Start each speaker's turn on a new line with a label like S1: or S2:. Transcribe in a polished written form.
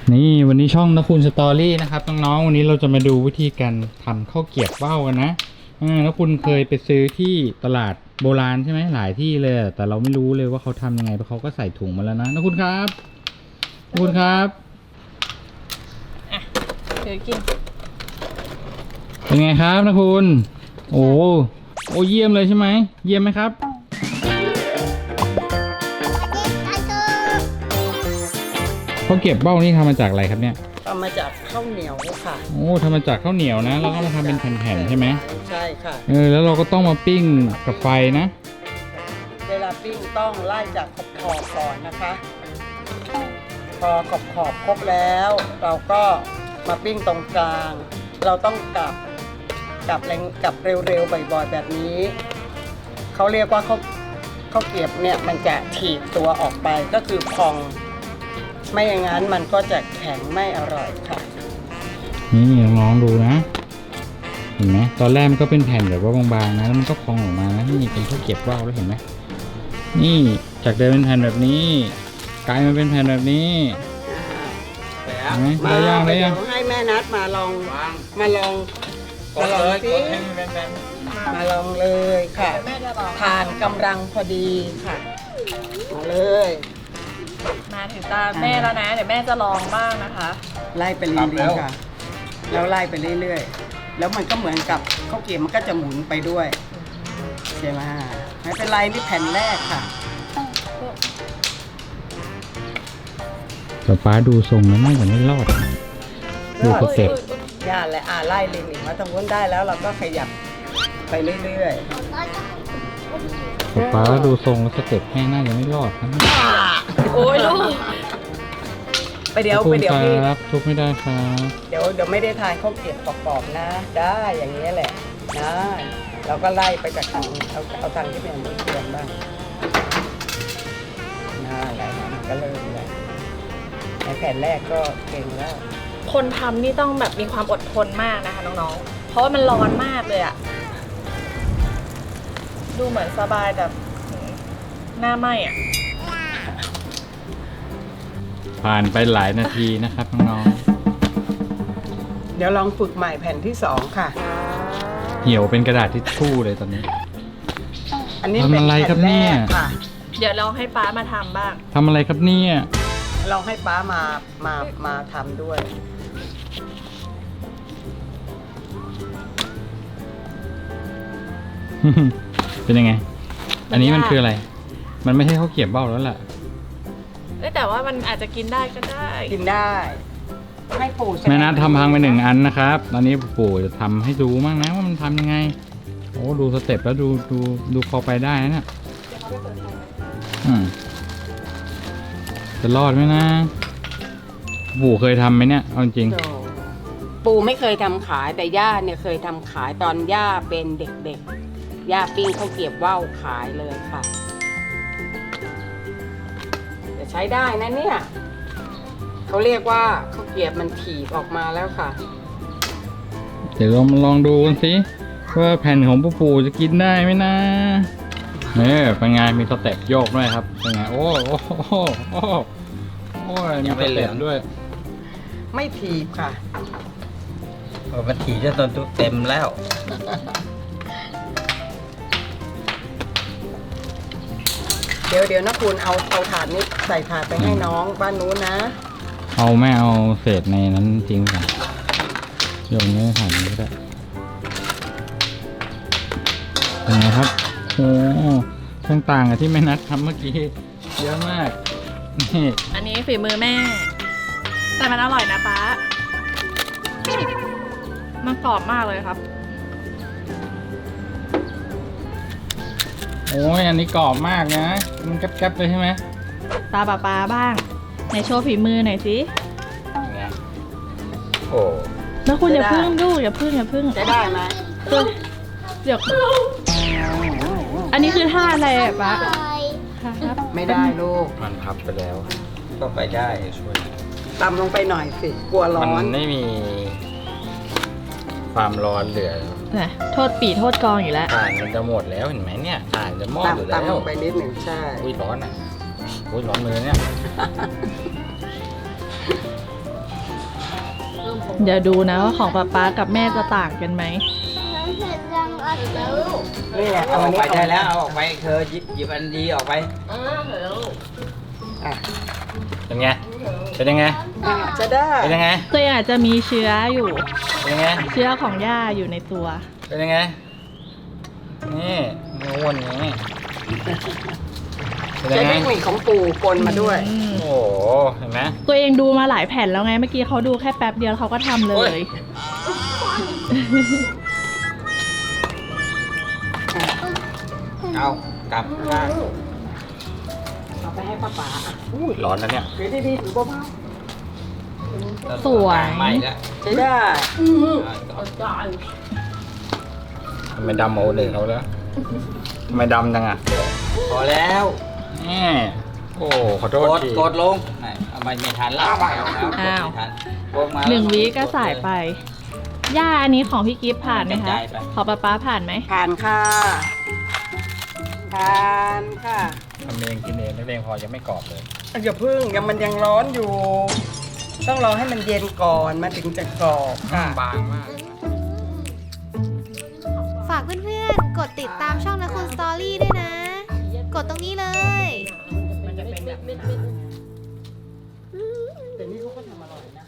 S1: นี่วันนี้ช่องนะคุณสตอรี่นะครับน้องๆวันนี้เราจะมาดูวิธีการทำข้าวเกรี๊ยวว่าวกันนะนะคุณเคยไปซื้อที่ตลาดโบราณใช่ไหมหลายที่เลยแต่เราไม่รู้เลยว่าเขาทำยังไงเพราะเขาก็ใส่ถุงมาแล้วนะคุณครับคุณครับ
S2: อ่ะถือกิน
S1: เป็นไงครับนะคุณโอ้เยี่ยมเลยใช่ไหมเยี่ยมไหมครับข้าวเกรี๊ยวว่าวนี่ทำมาจากอะไรครับเนี่ย
S3: ทำมาจากข้าวเหนียวค่ะ
S1: โอ้ทำมาจากข้าวเหนียวนะแล้วก็มาทำเป็นแผ่นๆใช่ไหม
S3: ใช่ค่ะ
S1: แล้วเราก็ต้องมาปิ้งกับไฟนะ
S3: เวลาปิ้งต้องไล่จากขอบก่อนนะคะ พอขอบครบแล้วเราก็มาปิ้งตรงกลางเราต้องกลับแรงกลับเร็วๆบ่อยๆแบบนี้เขาเรียกว่าข้าวเกรี๊ยวเนี่ยมันจะถีบตัวออกไปก็คือพองไม่อย่างนั้นมันก็จะแข็งไม่อร่อยค่ะ
S1: นี่ลองดูนะเห็นไหมตอนแรกมันก็เป็นแผ่นแบบว่าบางๆนะแล้วมันก็พองออกมานะนี่เป็นข้าวเกรี๊ยวว่าวแล้วเห็นไหมนี่จากเดิมเป็นแผ่นแบบนี้กลายมาเป็นแผ่นแบบนี้เห็นไหมได้ยัง
S3: ให้แม่นัดมาลองสิมาลองเลยค่ะทานกำลังพอดีค่ะมาเลย
S2: มาถึงตาแม่แล้วนะเดี๋ยวแม่จะลองบ้างนะคะ
S3: ไล่ไปเรื่อยๆค่ะแล้วไล่ไปเรื่อยๆแล้วมันก็เหมือนกับข้าวเกรี๊ยวมันก็จะหมุนไปด้วยใช่ไหมไม่เป็นไรนี่แผ่นแรกค่ะ
S1: แต่ป้าดูทรงแล้วน่าจะไม่รอดดูสเต็ป
S3: ย่าและไล่ลิงอีกมาตรงนู้นได้แล้วเราก็ขยับไปเรื่อย
S1: แต่ป้าดูทรงแล้วสเต็ปแม่น่าจะไม่รอดนะ
S2: โอ้ยลูก
S3: ไปเดี๋ยว
S1: ครับทุกไม่ได้ครับ
S3: เดี๋ยวไม่ได้ทานข้าวเกรี๊ยวกรอบๆนะได้อย่างนี้แหละนะเราก็ไล่ไปจากทางเอาทางที่เป็นมือเกรียมบ้างอะไรนะก็เริ่มเลยในแผ่นแรกก็เก่งแล้ว
S2: คนทำนี่ต้องแบบมีความอดทนมากนะคะน้องๆเพราะว่ามันร้อนมากเลยอะดูเหมือนสบายแต่หน้าไหม้อะ
S1: ผ่านไปหลายนาทีนะครับน้อง
S3: เดี๋ยวลองฝึกใหม่แผ่นที่2ค่ะ
S1: เหี่ยวเป็นกระดาษทิชชู่เลยตอนนี้
S3: อันนี้เป็น
S1: อะไรครับเนี่ย
S2: เดี๋ยวลองให้ป้ามาทำบ้าง
S1: ทำอะไรครับเนี่ย
S3: ลองให้ป้ามาทำด้วย
S1: เป็นยังไงอันนี้มันคืออะไรมันไม่ใช่ข้าวเกรี๊ยวว่าวแล้วล่ะ
S2: แต่ว่ามันอาจจะกินได้ก็ได้
S3: กินได้ให้ปู่
S1: แม่นัททำพังไป1 อันนะครับตอนนี้ปู่จะทำให้ดูมั่งนะว่ามันทำยังไงโอ้ดูสเต็ปแล้วดูพอไปได้นะจะรอดไหมนะปู่เคยทำไหมเนี่ยเอาจริง
S3: ปู่ไม่เคยทำขายแต่ย่าเนี่ยเคยทำขายตอนย่าเป็นเด็กๆย่าปิ้งข้าวเกรี๊ยวว่าวขายเลยค่ะจะใช้ได้นะเนี่ยเขาเรียกว่าข้าวเกรี๊ยวมันถีบออกมาแล้วค่ะ
S1: เดี๋ยวเรามาลองดูกันสิว่าแผ่นของปู่จะกินได้ไหมนะเป็นไงมีสเต็ปโยกด้วยครับเป็นไงโอ้มีสเต็ปด้วย
S3: ไม่ถีบค่ะ
S4: มันถีบจะตนเต็มแล้ว
S3: เดี๋ยวนะคุณเอาถาดนี้ใส่ถาดไปให้น้องบ้านนู้นนะ
S1: ไม่เอาเศษในนั้นทิ้งก่อนโยนในถาดนี้ก็ได้เป็นไงครับโอ้ต่างกับที่แม่นัดทำเมื่อกี้เยอะมาก
S2: นี่อันนี้ฝีมือแม่แต่มันอร่อยนะป๊ามันกรอบมากเลยครับ
S1: อันนี้กรอบมากนะมันแก๊บๆเลยใช่ไหม
S2: ตาป๊าบ้างในโชว์ฝีมือหน่อยสิ
S4: โอ้
S2: แล้วคุณอย่าพึ่งดูอย่าพึ่ง
S3: จะได้ไหม
S2: เดี๋ยวอันนี้คือท่าอะไรป๊า
S3: ไม่ได้ลูก
S4: มันพับไปแล้วก็ไปได้ช่วย
S3: ตำลงไปหน่อยสิกลัวร้อน
S4: มันไม่มีความร้อนเหลือ
S2: โทษปีโทษกองอยู่แล้ว
S4: ถ่านมันจะหมดแล้วเห็นไหมเนี่ยถ่านจะมอดอยู่แล้ว
S3: ตำลงไปนิดหนึ่งใช่
S4: ร้อนร้อนมือเนี่ย
S2: เดี๋ยวดูนะว่าของป๊ากับแม่จะต่างกันไหม
S3: นี่แหละ
S4: เอา
S3: เอา
S4: อ
S3: อั
S4: อน ก
S3: นี้
S4: ไป
S3: ออก
S4: ได้แล้ว เอาออกไปเธอหยิบอันดีออกไป
S3: อ่ะ
S1: เป็นไง เป็นยังไง
S3: จะได้
S1: เป็นยังไง
S2: ตัวเองอาจจะมีเชื้ออยู่
S1: เป็นยังไง
S2: เชื้อของย่าอยู่ในตัว
S1: เป็นยังไง นี่ม้วนอย่างนี้เป็น
S3: ใช้
S1: ยังไง
S3: เทคนิคของปู่ปนมาด้วย
S2: อืม
S1: โอ้โห เห็นไหม
S2: ตัวเองดูมาหลายแผ่นแล้วไง เมื่อกี้เขาดูแค่แป๊บเดียวเขาก็ทำเล
S1: โอ้
S2: ย
S1: ย
S4: เอากลับข้าง
S3: เอาไปให้ป้าป๋า
S1: อุ้ยร้อนนะเนี่ย
S3: ถือดีๆถือเบา
S2: สวย
S4: ใหม่แล้ว
S3: ๆใช้ได้
S1: ทำไมดำเอาเลยเขาแล้วทำไมดำจังอ่ะ
S4: พอแล้ว
S1: นี่โอ้ขอโท
S4: ก
S1: ษ
S4: ด
S1: ที
S4: กดลงเอาไม่ทันแล้วกดไม่ทันกดมา
S2: 1 วิก็สายไป ย่าอันนี้ของพี่กิฟต์ผ่านไหม
S4: กระ
S2: คะ
S4: จายไป
S2: ของป๊าผ่านไหม
S3: ผ่านค่ะผ่านค่ะ
S1: ทำเองกินเองนักเลงพอยังไม่กรอบเลย
S3: อย่าพึ่งมันยังร้อนอยู่ ต้องรอให้มันเย็นก่อนมันถึงจะกรอบค่ะ
S1: บางมาก
S5: ฝากเพื่อนๆ กดติดตามช่องนะคุณสตอรี่ด้วยนะ กดตรงนี้เลย
S3: แต่นี่เขาก็ทำอร่อยนะ